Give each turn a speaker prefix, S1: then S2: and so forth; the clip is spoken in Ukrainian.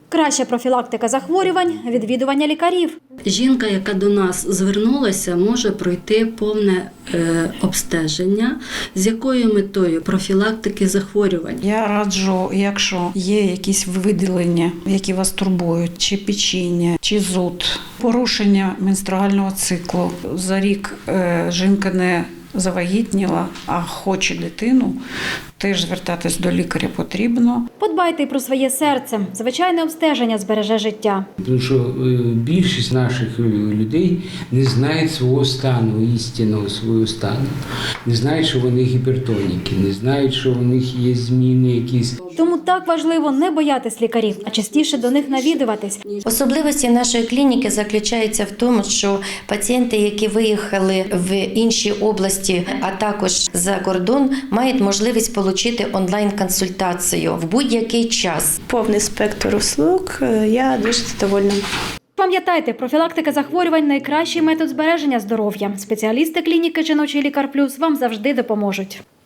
S1: Краща профілактика захворювань – відвідування лікарів.
S2: Жінка, яка до нас звернулася, може пройти повне обстеження. З якою метою? Профілактики захворювань.
S3: Я раджу, якщо є якісь виділення, які вас турбують, чи печіння, чи зуд, порушення менструального циклу. За рік жінка не завагітніла, а хоче дитину, теж звертатись до лікаря потрібно.
S1: Подбайте й про своє серце. Звичайне обстеження збереже життя.
S4: Тому що більшість наших людей не знають свого стану, істинного свого стану. Не знають, що вони гіпертоніки, не знають, що у них є зміни якісь.
S1: Тому так важливо не боятись лікарів, а частіше до них навідуватись.
S5: Особливості нашої клініки заключаються в тому, що пацієнти, які виїхали в інші області, а також за кордон, мають можливість отримати онлайн-консультацію в будь-який час.
S6: Повний спектр услуг, я дуже задовольна.
S1: Пам'ятайте, профілактика захворювань – найкращий метод збереження здоров'я. Спеціалісти клініки «Жіночий лікар плюс» вам завжди допоможуть.